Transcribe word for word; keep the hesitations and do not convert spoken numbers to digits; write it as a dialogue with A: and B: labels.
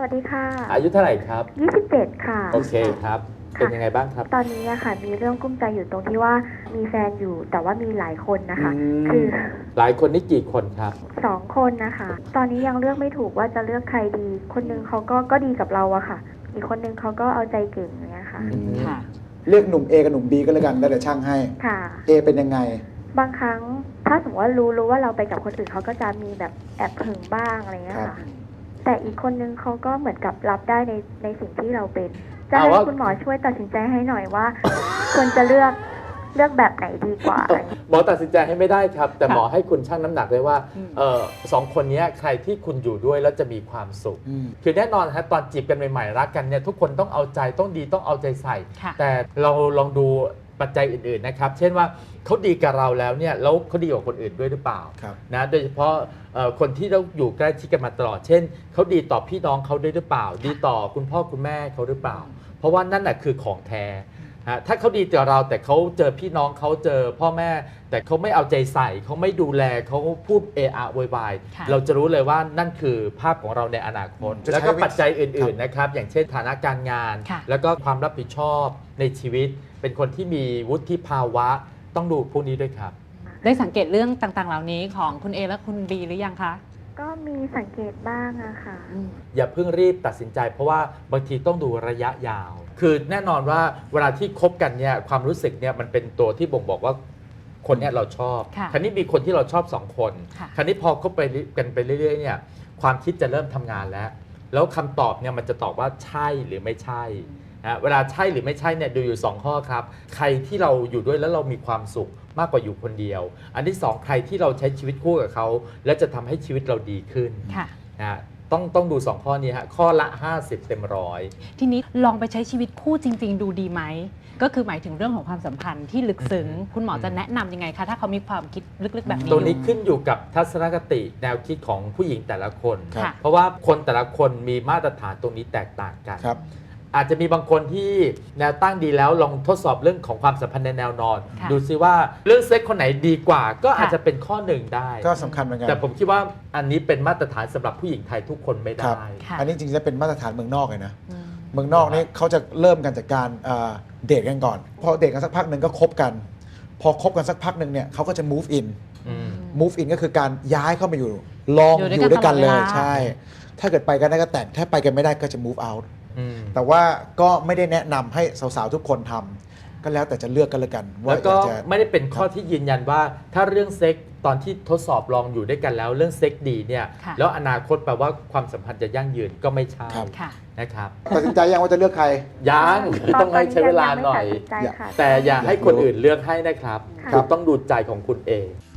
A: วัสดีค่ะ
B: อายุเท่าไหร่ครับ
A: ยี่สิบเจ็ดค่ะ
B: โอเคครับเป็นยังไงบ้างครับ
A: ตอนนี้อะค่ะมีเรื่องกุ้มใจอยู่ตรงที่ว่ามีแฟนอยู่แต่ว่ามีหลายคนนะคะ
B: คื
A: คือ
B: หลายคนนี่กี่คนครับ
A: สองคนนะคะตอนนี้ยังเลือกไม่ถูกว่าจะเลือกใครดีคนนึงเขาก็ก็ดีกับเราอะค่ะอีกคนนึงเขาก็เอาใจเก่งอย่างเงี้ยค่ะ
C: ค่ะเลือกหนุ่ม A กับหนุ่ม B ก็แล้วกันแล้วเดี๋ยวช่างให้
A: ค่ะ
C: A เป็นยังไง
A: บางครั้งถ้าสมมติว่ารู้รู้ว่าเราไปกับคนอื่นเขาก็จะมีแบบแอบหึงบ้างอะไรเงี้ยค่ะแต่อีกคนนึงเขาก็เหมือนกับรับได้ในในสิ่งที่เราเป็นจะให้คุณหมอช่วยตัดสินใจให้หน่อยว่าควรจะเลือกเลือกแบบไหนดีกว่า
B: หมอตัดสินใจให้ไม่ได้ครับแต่หมอให้คุณชั่งน้ำหนักเลยว่าเออสองคนนี้ใครที่คุณอยู่ด้วยแล้วจะมีความสุขคือแน่นอนฮะตอนจีบกันใหม่ๆรักกันเนี่ยทุกคนต้องเอาใจต้องดีต้องเอาใจใส่แต่เราลองดูปัจจัยอื่นๆนะครับเช่นว่าเขาดีกับเราแล้วเนี่ยแล้วเขาดีกับคนอื่นด้วยหรือเปล่านะโดยเฉพาะคนที่เราอยู่ใกล้ชิดกันมาตลอดเช่นเขาดีต่อพี่น้องเขาด้วยหรือเปล่าดีต่อคุณพ่อคุณแม่เขาหรือเปล่าเพราะว่านั่นแหะคือของแท้ถ้าเขาดีต่อเราแต่เขาเจอพี่น้องเขาเจอพ่อแม่แต่เขาไม่เอาใจใส่เขาไม่ดูแลเขาพูดเอะอะโวยวายเราจะรู้เลยว่านั่นคือภาพของเราในอนาคตแล้วก็ปัจจัยอื่นๆนะครับอย่างเช่นฐานะการงานแล้วก็ความรับผิดชอบในชีวิตเป็นคนที่มีวุฒิภาวะต้องดูพวกนี้ด้วยครับ
D: ได้สังเกตเรื่องต่างๆเหล่านี้ของคุณ A และคุณ B หรือยังคะ
A: ก็มีสังเกตบ้างอะค่ะ
B: อย่าเพิ่งรีบตัดสินใจเพราะว่าบางทีต้องดูระยะยาวคือแน่นอนว่าเวลาที่คบกันเนี่ยความรู้สึกเนี่ยมันเป็นตัวที่บ่งบอกว่าคนเนี่ยเราชอบคราวนี้มีคนที่เราชอบสองคนคราวนี้พอคบไปกันไปเรื่อยๆเนี่ยความคิดจะเริ่มทำงานแล้วแล้วคำตอบเนี่ยมันจะตอบว่าใช่หรือไม่ใช่นะเวลาใช่หรือไม่ใช่เนี่ยดูอยู่สองข้อครับใครที่เราอยู่ด้วยแล้วเรามีความสุขมากกว่าอยู่คนเดียวอันที่สองใครที่เราใช้ชีวิตคู่กับเขาและจะทำให้ชีวิตเราดีขึ้นนะต้องต้องดูสองข้อนี้ฮะข้อละห้าสิบเต็มร้อย
D: ทีนี้ลองไปใช้ชีวิตคู่จริงๆดูดีไหมก็คือหมายถึงเรื่องของความสัมพันธ์ที่ลึกซึ้งคุณหมอจะแนะนำยังไงคะถ้าเขามีความคิดลึกๆแบบนี้
B: ตัวนี้ขึ้นอยู่กับทัศนคติแนวคิดของผู้หญิงแต่ละคนเพราะว่าคนแต่ละคนมีมาตรฐานตรงนี้แตกต่างกันอาจจะมีบางคนที่แนวตั้งดีแล้วลองทดสอบเรื่องของความสัมพันธ์ในแนวนอนดูซิว่าเรื่องเซ็กคนไหนดีกว่าก็อาจจะเป็นข้อหนึ่งได้
C: ก็สำคัญเหมือนกัน
B: แต่ผมคิดว่าอันนี้เป็นมาตรฐานสำหรับผู้หญิงไทยทุกคนไม่ได้
C: อันนี้จริงๆจะเป็นมาตรฐานเมืองนอกเลยนะเมืองนอกนี่เขาจะเริ่มกันจากการเดทกันก่อนพอเดทกันสักพักหนึ่งก็คบกันพอคบกันสักพักหนึ่งเนี่ยเขาก็จะ move in move in ก็คือการย้ายเข้ามาอยู่ลองอยู่ด้วยกันเลยใช่ถ้าเกิดไปกันได้ก็แต่งถ้าไปกันไม่ได้ก็จะ move outแต่ว่าก็ไม่ได้แนะนำให้สาวๆทุกคนทำก็แล้วแต่จะเลือกกันละกัน
B: แล้วก็ไม่ได้เป็นข้อที่ยืนยันว่าถ้าเรื่องเซ็กตอนที่ทดสอบลองอยู่ด้วยกันแล้วเรื่องเซ็กดีเนี่ยแล้วอนาคตแปลว่าความสัมพันธ์จะยั่งยืนก็ไม่ใช่นะครับ
C: ตัดสินใจยังว่าจะเลือกใคร
B: ยังต้องให้ใช้เวลาหน่อยแต่อย่าให้คนอื่นเลือกให้นะครับคุณต้องดูใจของคุณเอง